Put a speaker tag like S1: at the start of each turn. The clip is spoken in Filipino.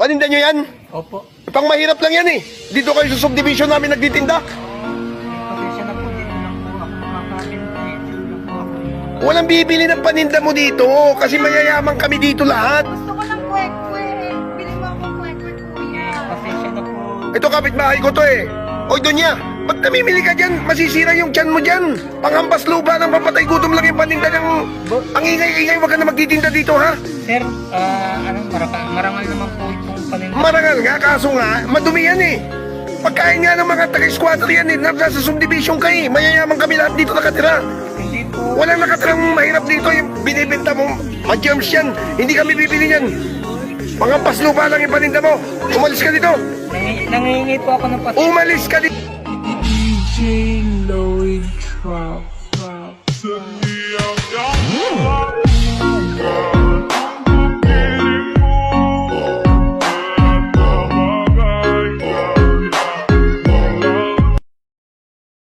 S1: Paninda nyo yan?
S2: Opo.
S1: Pang mahirap lang yan eh. Dito kayo sa subdivision namin nagtitinda.
S2: Pasensya na po, dito lang po ako makakabenta eh. Dito lang po ako.
S1: Walang bibili ng paninda mo dito kasi mayayaman kami dito lahat.
S3: Gusto ko ng kwek-kwek. Bili mo akong kwek-kwek, kuya.
S2: Pasensya na po.
S1: Ito kapitbahay ko to eh. Oy, Donya, ba't namimili ka dyan? Masisira yung tiyan mo dyan. Panghampas lupa ng papatay gutom lang yung paninda ng... Ang ingay-ingay, wag ka na magtitinda dito ha.
S2: Sir, marangal naman po itong paninda.
S1: Marangal nga, kaso nga, madumi yan eh. Pagkain nga ng mga taga-squatter yan eh. Nasa subdivision ka eh. Mayayaman kami lahat dito nakatira.
S2: Hindi po.
S1: Walang nakatirang mahirap dito. Yung binibenta mo, ma-germs yan. Hindi kami bibili yan. Panghampas lupa lang yung paninda mo. Umalis ka dito.
S2: Nangingi po ako ng pasensya.
S1: Umalis ka dito.
S4: DJ Lloyd Drop.